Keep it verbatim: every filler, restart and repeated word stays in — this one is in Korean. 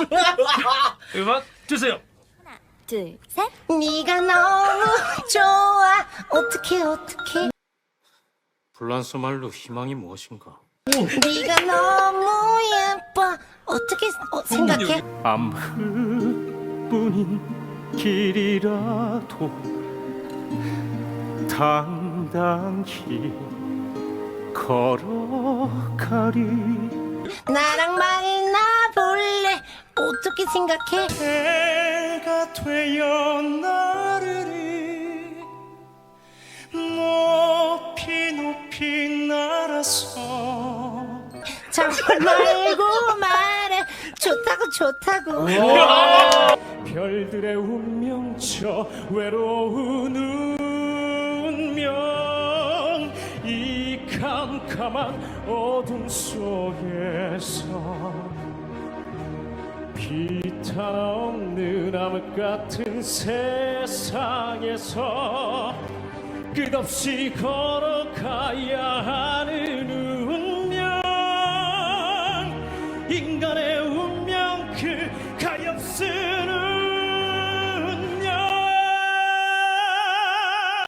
음악 주세요. 둘, 셋. 네가 너무 좋아. 어떻게 어떻게? 불란서 말로 희망이 무엇인가? 네가 너무 예뻐. 어떻게 어, 생각해? 암흑뿐인 길이라도 당당히 걸어가리. 나랑 만나 볼래? 어떻게 생각해? 해가 되어 나르리 높이 높이 날아서. 자 말고 말해. 좋다고 좋다고. 별들의 운명처 외로운 운명 이 캄캄한 어둠 속에서 빛 하나 없는 암흑 같은 세상에서 끝없이 걸어가야 하는 운명 인간의 운명 그 가엾은